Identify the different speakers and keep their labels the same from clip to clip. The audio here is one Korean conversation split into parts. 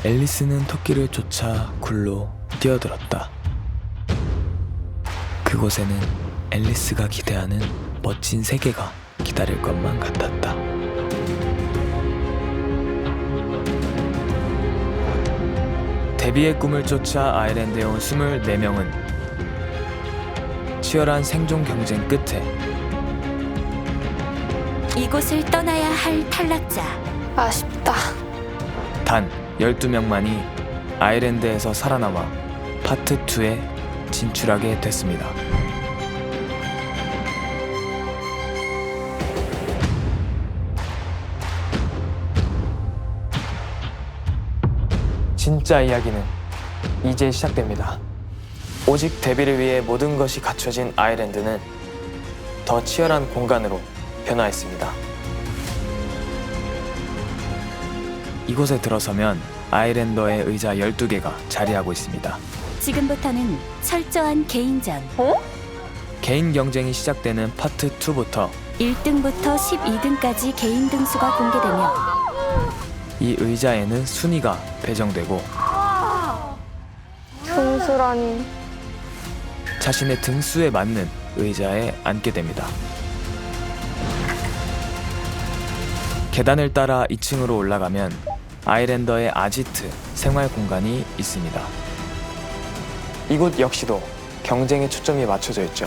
Speaker 1: 앨리스는 토끼를 쫓아 굴로 뛰어들었다. 그곳에는 앨리스가 기대하는 멋진 세계가 기다릴 것만 같았다. 데뷔의 꿈을 쫓아 아일랜드에 온 24명은 치열한 생존 경쟁 끝에
Speaker 2: 이곳을 떠나야 할 탈락자.
Speaker 3: 아쉽다.
Speaker 1: 단 12명만이 아일랜드에서 살아남아 파트 2에 진출하게 됐습니다. 진짜 이야기는 이제 시작됩니다. 오직 데뷔를 위해 모든 것이 갖춰진 아일랜드는 더 치열한 공간으로 변화했습니다. 이곳에 들어서면 아일랜더의 의자 12개가 자리하고 있습니다.
Speaker 2: 지금부터는 철저한 개인전.
Speaker 1: 개인 경쟁이 시작되는 파트 2부터
Speaker 2: 1등부터 12등까지 개인 등수가 공개되며
Speaker 1: 이 의자에는 순위가 배정되고
Speaker 3: 등수라니.
Speaker 1: 자신의 등수에 맞는 의자에 앉게 됩니다. 계단을 따라 2층으로 올라가면 아일랜더의 아지트 생활 공간이 있습니다. 이곳 역시도 경쟁에 초점이 맞춰져 있죠.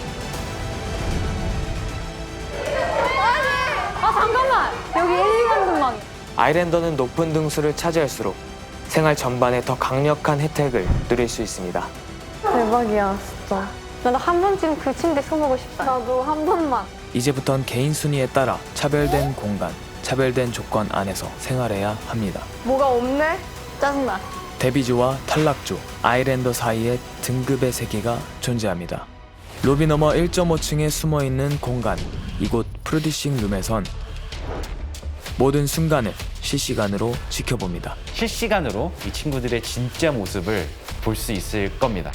Speaker 3: 잠깐만. 여기 1, 2등만.
Speaker 1: 아일랜더는 높은 등수를 차지할수록 생활 전반에 더 강력한 혜택을 누릴 수 있습니다.
Speaker 3: 대박이야, 진짜. 나도 한 번쯤 그 침대 서보고 싶다. 나도 한 번만.
Speaker 1: 이제부턴 개인 순위에 따라 차별된 공간, 차별된 조건 안에서 생활해야 합니다.
Speaker 3: 뭐가 없네? 짜증나.
Speaker 1: 데뷔주와 탈락주, 아일랜더 사이에 등급의 세계가 존재합니다. 로비 너머 1.5층에 숨어있는 공간, 이곳 프로듀싱 룸에선 모든 순간을 실시간으로 지켜봅니다.
Speaker 4: 실시간으로 이 친구들의 진짜 모습을 볼 수 있을 겁니다.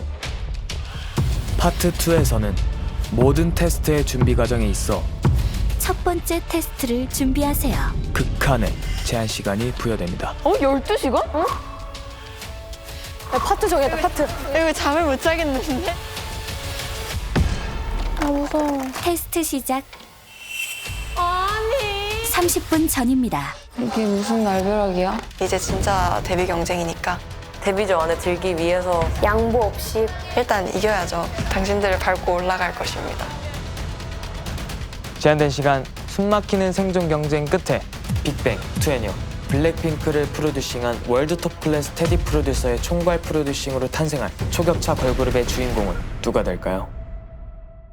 Speaker 1: 파트 2에서는 모든 테스트의 준비 과정에 있어
Speaker 2: 첫 번째 테스트를 준비하세요.
Speaker 1: 극한의 제한 시간이 부여됩니다.
Speaker 3: 12시간? 응? 야, 파트 정했다, 파트. 이거 잠을 못 자겠는데? 아, 무서워.
Speaker 2: 테스트 시작
Speaker 3: 아니.
Speaker 2: 30분 전입니다.
Speaker 3: 이게 무슨 날벼락이야?
Speaker 5: 이제 진짜 데뷔 경쟁이니까 데뷔조 안에 들기 위해서
Speaker 3: 양보 없이.
Speaker 5: 일단 이겨야죠. 당신들을 밟고 올라갈 것입니다.
Speaker 1: 제한된 시간, 숨막히는 생존 경쟁 끝에 빅뱅, 투애니어, 블랙핑크를 프로듀싱한 월드 톱 클래스 테디 프로듀서의 총괄 프로듀싱으로 탄생한 초격차 걸그룹의 주인공은 누가 될까요?